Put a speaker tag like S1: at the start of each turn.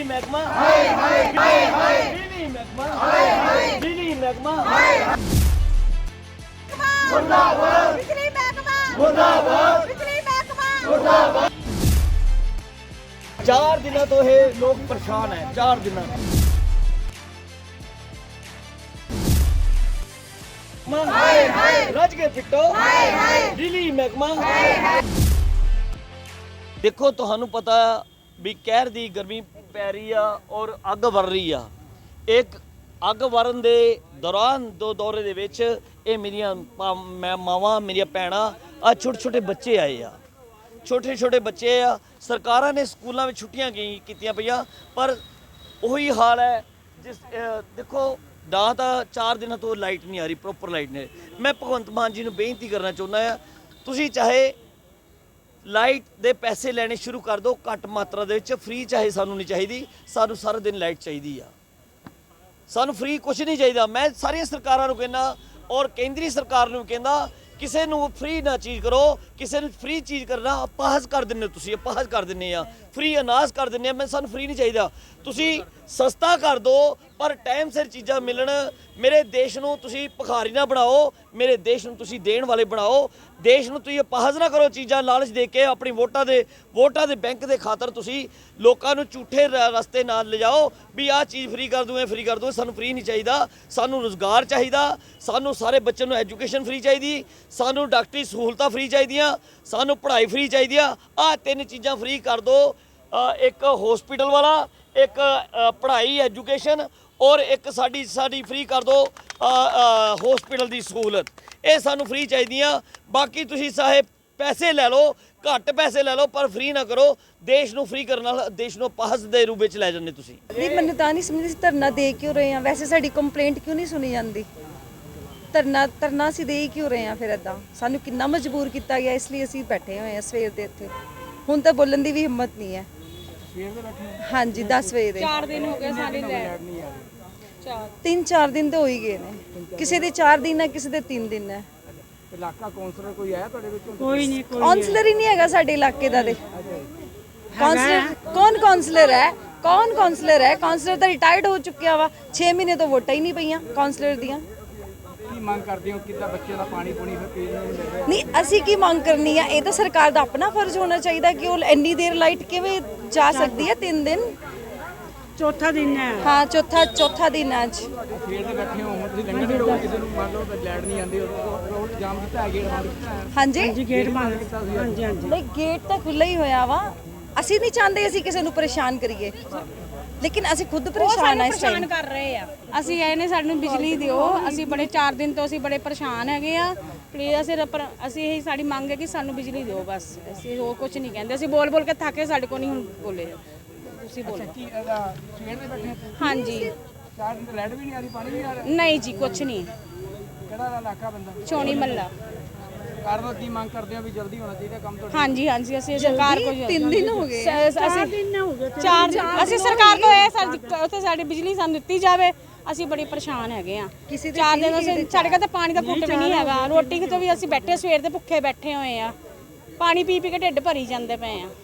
S1: महकमा हाय हाय हाय हाय बिजली महकमा हाय हाय बिजली महकमा हाय मुर्दाबाद बिजली महकमा मुर्दाबाद बिजली महकमा मुर्दाबाद। 4 दिनों तो ये लोग परेशान है, 4 दिनों हाय हाय रज के पिट्टो हाय हाय बिजली महकमा हाय हाय। देखो ਤੁਹਾਨੂੰ ਪਤਾ ਵੀ ਕਹਿਰ ਦੀ ਗਰਮੀ ਪੈ ਰਹੀ ਆ ਔਰ ਅੱਗ ਵਰ ਰਹੀ ਆ। ਇੱਕ ਅੱਗ ਵਰਨ ਦੇ ਦੌਰਾਨ ਦੋ ਦੌਰੇ ਦੇ ਵਿੱਚ ਇਹ ਮੇਰੀਆਂ ਮਾਵਾਂ ਮੇਰੀਆਂ ਭੈਣਾਂ ਆ ਛੋਟੇ ਛੋਟੇ ਬੱਚੇ ਆਏ ਆ, ਛੋਟੇ ਛੋਟੇ ਬੱਚੇ ਆ। ਸਰਕਾਰਾਂ ਨੇ ਸਕੂਲਾਂ ਵਿੱਚ ਛੁੱਟੀਆਂ ਕੀਤੀਆਂ ਪਈਆਂ ਪਰ ਉਹੀ ਹਾਲ ਹੈ। ਜਿਸ ਦੇਖੋ ਨਾ ਤਾਂ 4 ਦਿਨਾਂ ਤੋਂ ਲਾਈਟ ਨਹੀਂ ਆ ਰਹੀ, ਪ੍ਰੋਪਰ ਲਾਈਟ ਨਹੀਂ। ਮੈਂ ਭਗਵੰਤ ਮਾਨ ਜੀ ਨੂੰ ਬੇਨਤੀ ਕਰਨਾ ਚਾਹੁੰਦਾ ਆ, ਤੁਸੀਂ ਚਾਹੇ ਲਾਈਟ ਦੇ ਪੈਸੇ ਲੈਣੇ ਸ਼ੁਰੂ ਕਰ ਦਿਓ ਘੱਟ ਮਾਤਰਾ ਦੇ ਵਿੱਚ, ਫ੍ਰੀ ਚਾਹੇ ਸਾਨੂੰ ਨਹੀਂ ਚਾਹੀਦੀ, ਸਾਨੂੰ ਸਾਰਾ ਦਿਨ ਲਾਈਟ ਚਾਹੀਦੀ ਆ, ਸਾਨੂੰ ਫ੍ਰੀ ਕੁਝ ਨਹੀਂ ਚਾਹੀਦਾ। ਮੈਂ ਸਾਰੀਆਂ ਸਰਕਾਰਾਂ ਨੂੰ ਕਹਿੰਦਾ ਔਰ ਕੇਂਦਰੀ ਸਰਕਾਰ ਨੂੰ ਕਹਿੰਦਾ ਕਿਸੇ ਨੂੰ ਫ੍ਰੀ ਨਾ ਚੀਜ਼ ਕਰੋ, ਕਿਸੇ ਨੂੰ ਫ੍ਰੀ ਚੀਜ਼ ਕਰਨਾ ਅਪਾਹਜ ਕਰ ਦਿੰਦੇ ਤੁਸੀਂ, ਅਪਾਹਜ ਕਰ ਦਿੰਦੇ ਆ, ਫ੍ਰੀ ਅਨਾਜ ਕਰ ਦਿੰਦੇ ਆ। ਮੈਂ ਸਾਨੂੰ ਫ੍ਰੀ ਨਹੀਂ ਚਾਹੀਦਾ, ਤੁਸੀਂ ਸਸਤਾ ਕਰ ਦਿਓ ਪਰ ਟਾਈਮ ਸਿਰ ਚੀਜ਼ਾਂ ਮਿਲਣ। ਮੇਰੇ ਦੇਸ਼ ਨੂੰ ਤੁਸੀਂ ਭਿਖਾਰੀ ਨਾ ਬਣਾਓ, ਮੇਰੇ ਦੇਸ਼ ਨੂੰ ਤੁਸੀਂ ਦੇਣ ਵਾਲੇ ਬਣਾਓ। ਦੇਸ਼ ਨੂੰ ਤੁਸੀਂ ਅਪਾਹਜ ਨਾ ਕਰੋ ਚੀਜ਼ਾਂ ਲਾਲਚ ਦੇ ਕੇ, ਆਪਣੀ ਵੋਟਾਂ ਦੇ ਬੈਂਕ ਦੇ ਖਾਤਰ ਤੁਸੀਂ ਲੋਕਾਂ ਨੂੰ ਝੂਠੇ ਰਸਤੇ ਨਾਲ ਲਿਜਾਓ ਵੀ ਆਹ ਚੀਜ਼ ਫ੍ਰੀ ਕਰ ਦੂੰ, ਇਹ ਫ੍ਰੀ ਕਰ ਦੂੰ। ਸਾਨੂੰ ਫ੍ਰੀ ਨਹੀਂ ਚਾਹੀਦਾ, ਸਾਨੂੰ ਰੁਜ਼ਗਾਰ ਚਾਹੀਦਾ, ਸਾਨੂੰ ਸਾਰੇ ਬੱਚਿਆਂ ਨੂੰ ਐਜੂਕੇਸ਼ਨ ਫ੍ਰੀ ਚਾਹੀਦੀ, ਸਾਨੂੰ ਡਾਕਟਰੀ ਸਹੂਲਤਾਂ ਫ੍ਰੀ ਚਾਹੀਦੀਆਂ, ਸਾਨੂੰ ਪੜ੍ਹਾਈ ਫ੍ਰੀ ਚਾਹੀਦੀ ਆ। ਆਹ 3 ਚੀਜ਼ਾਂ ਫ੍ਰੀ ਕਰ ਦਿਓ, ਇੱਕ ਹੌਸਪੀਟਲ ਵਾਲਾ, ਇੱਕ ਪੜ੍ਹਾਈ ਐਜੂਕੇਸ਼ਨ ਔਰ ਇੱਕ ਸਾਡੀ ਫ੍ਰੀ ਕਰ ਦਿਓ ਹੌਸਪੀਟਲ ਦੀ ਸਹੂਲਤ। ਇਹ ਸਾਨੂੰ ਫ੍ਰੀ ਚਾਹੀਦੀਆਂ। ਬਾਕੀ ਤੁਸੀਂ ਸਾਹਿਬ ਪੈਸੇ ਲੈ ਲਓ, ਘੱਟ ਪੈਸੇ ਲੈ ਲਓ ਪਰ ਫ੍ਰੀ ਨਾ ਕਰੋ। ਦੇਸ਼ ਨੂੰ ਫ੍ਰੀ ਕਰਨ ਨਾਲ ਦੇਸ਼ ਨੂੰ ਅਪਾਹਜ ਦੇ ਰੂਪ ਵਿੱਚ ਲੈ ਜਾਂਦੇ ਤੁਸੀਂ।
S2: ਨਹੀਂ, ਮੈਨੂੰ ਤਾਂ ਨਹੀਂ ਸਮਝਦੀ ਧਰਨਾ ਦੇ ਕਿਉਂ ਰਹੇ ਆ। ਵੈਸੇ ਸਾਡੀ ਕੰਪਲੇਂਟ ਕਿਉਂ ਨਹੀਂ ਸੁਣੀ ਜਾਂਦੀ? ਧਰਨਾ ਅਸੀਂ ਦੇ ਕਿਉਂ ਰਹੇ ਆ ਫਿਰ? ਇੱਦਾਂ ਸਾਨੂੰ ਕਿੰਨਾ ਮਜਬੂਰ ਕੀਤਾ ਗਿਆ, ਇਸ ਲਈ ਅਸੀਂ ਬੈਠੇ ਹੋਏ ਆ ਸਵੇਰ ਦੇ ਇੱਥੇ। ਹੁਣ ਤਾਂ ਬੋਲਣ ਦੀ ਵੀ ਹਿੰਮਤ ਨਹੀਂ ਹੈ। ਹਾਂਜੀ 10 ਵਜੇ ਦੇ
S3: 4 ਦਿਨ ਹੋ ਗਏ ਸਾਡੀ ਲੈਟ ਨਹੀਂ ਆ ਰਹੀ।
S2: 3-4 ਦਿਨ ਤਾਂ ਹੋ ਹੀ ਗਏ ਨੇ, ਕਿਸੇ ਦੇ 4 ਦਿਨ ਹੈ, ਕਿਸੇ ਦੇ 3 ਦਿਨ ਹੈ।
S4: ਇਲਾਕਾ ਕਾਉਂਸਲਰ ਕੋਈ ਆਇਆ ਤੁਹਾਡੇ ਵਿੱਚੋਂ?
S3: ਕੋਈ ਨਹੀਂ,
S2: ਕਾਉਂਸਲਰ ਹੀ ਨਹੀਂ ਹੈਗਾ ਸਾਡੇ ਇਲਾਕੇ ਦਾ। ਤੇ ਕਾਉਂਸਲਰ ਕੌਣ ਕਾਉਂਸਲਰ ਹੈ? ਕੌਣ ਕਾਉਂਸਲਰ ਹੈ? ਕਾਉਂਸਲਰ ਤਾਂ ਰਿਟਾਇਰਡ ਹੋ ਚੁੱਕਿਆ ਵਾ। 6 ਮਹੀਨੇ ਤੋਂ ਵੋਟਾਂ ਹੀ ਨਹੀਂ ਪਈਆਂ ਕਾਉਂਸਲਰ ਦੀਆਂ।
S4: ਕੀ ਮੰਗ ਕਰਦੇ ਹੋ? ਕਿੱਦਾਂ ਬੱਚੇ ਦਾ ਪਾਣੀ ਪੂਣੀ ਫਿਰ ਪੀਣ ਨੂੰ ਮਿਲ ਰਿਹਾ?
S2: ਨਹੀਂ, ਅਸੀਂ ਕੀ ਮੰਗ ਕਰਨੀ ਆ? ਇਹ ਤਾਂ ਸਰਕਾਰ ਦਾ ਆਪਣਾ ਫਰਜ਼ ਹੋਣਾ ਚਾਹੀਦਾ ਕਿ ਉਹ ਇੰਨੀ ਦੇਰ ਲਾਈਟ ਕਿਵੇਂ ਜਾ ਸਕਦੀ ਹੈ? 3 ਦਿਨ
S3: ਚੌਥਾ ਦਿਨ ਹੈ।
S2: ਹਾਂ, ਚੌਥਾ ਦਿਨ ਹੈ ਅੱਜ।
S4: ਸਵੇਰ ਦੇ ਬੈਠੇ ਹੋ, ਹੁਣ ਤੁਸੀਂ ਲੰਘਣ ਦਿਓ ਕਿਸੇ ਨੂੰ, ਮੰਨ ਲਓ ਲਾਈਟ ਨਹੀਂ ਆਉਂਦੀ, ਰੋਡ ਜਾਮ ਕੀਤਾ ਹੈ, ਗੇਟ ਬੰਦ ਕੀਤਾ ਹੈ।
S2: ਹਾਂਜੀ
S3: ਗੇਟ ਬੰਦ ਕੀਤਾ ਸੀ। ਹਾਂਜੀ ਹਾਂਜੀ
S2: ਨਹੀਂ, ਗੇਟ ਤਾਂ ਖੁੱਲ੍ਹਾ ਹੀ ਹੋਇਆ ਵਾ। ਅਸੀਂ ਨਹੀਂ ਚਾਹੁੰਦੇ ਅਸੀਂ ਕਿਸੇ ਨੂੰ ਪਰੇਸ਼ਾਨ ਕਰੀਏ, ਲੇਕਿਨ ਅਸੀਂ ਖੁਦ ਪਰੇਸ਼ਾਨ ਆ ਇਸ ਟਾਈਮ।
S3: ਕਰ ਰਹੇ ਆ ਅਸੀਂ, ਇਹਨੇ ਸਾਨੂੰ ਬਿਜਲੀ ਦਿਓ। ਅਸੀਂ ਬੜੇ 4 ਦਿਨ ਤੋਂ ਅਸੀਂ ਬੜੇ ਪਰੇਸ਼ਾਨ ਹੈਗੇ ਆ। ਪਲੀਜ਼ ਅਸੀਂ ਇਹੀ ਸਾਡੀ ਮੰਗ ਹੈ ਕਿ ਸਾਨੂੰ ਬਿਜਲੀ ਦਿਓ ਬਸ। ਅਸੀਂ ਹੋਰ ਕੁਝ ਨਹੀਂ ਕਹਿੰਦੇ। ਅਸੀਂ ਬੋਲ ਕੇ ਥੱਕੇ, ਸਾਡੇ ਕੋਲ ਨਹੀਂ ਹੁਣ ਬੋਲੇ। ਤੁਸੀਂ ਬੋਲੋ।
S4: ਕੀ ਇਹਦਾ ਸਵੇਰ ਦੇ ਬੈਠੇ ਹੋ?
S3: ਹਾਂਜੀ
S4: 4 ਦਿਨ ਤੋਂ ਲਾਈਟ ਵੀ ਨਹੀਂ ਆ ਰਹੀ, ਪਾਣੀ ਵੀ ਨਹੀਂ ਆ ਰਿਹਾ?
S3: ਨਹੀਂ ਜੀ, ਕੁਝ ਨਹੀਂ।
S4: ਕਿਹੜਾ ਇਲਾਕਾ ਬੰਦਾ?
S3: ਚੋਣੀ ਮੱਲਾ।
S4: ਸਰਕਾਰ ਤੋਂ ਕੀ ਮੰਗ ਕਰਦੇ ਹੋ ਵੀ ਜਲਦੀ ਹੋਣਾ ਚਾਹੀਦਾ ਕੰਮ ਤੁਹਾਡਾ?
S3: ਹਾਂਜੀ ਹਾਂਜੀ, ਅਸੀਂ ਸਰਕਾਰ ਕੋਲ
S2: 3 ਦਿਨ ਹੋ ਗਏ।
S3: ਅਸੀਂ ਸਰਕਾਰ ਤੋਂ ਇਹ ਉੱਥੇ ਸਾਡੀ ਬਿਜਲੀ ਸਾਨੂੰ ਦਿੱਤੀ ਜਾਵੇ। ਅਸੀਂ ਬੜੇ ਪਰੇਸ਼ਾਨ ਹੈਗੇ ਆ। 4 ਦਿਨ ਅਸੀਂ, ਸਾਡੇ ਕੋਲ ਤਾਂ ਪਾਣੀ ਦਾ ਘੁੱਟ ਵੀ ਨਹੀਂ ਹੈਗਾ। ਰੋਟੀ ਤੋਂ ਵੀ ਅਸੀਂ ਬੈਠੇ ਸਵੇਰ ਦੇ ਭੁੱਖੇ ਬੈਠੇ ਹੋਏ ਆ। ਪਾਣੀ ਪੀ ਕੇ ਢਿੱਡ ਭਰੀ ਜਾਂਦੇ ਪਏ ਆ।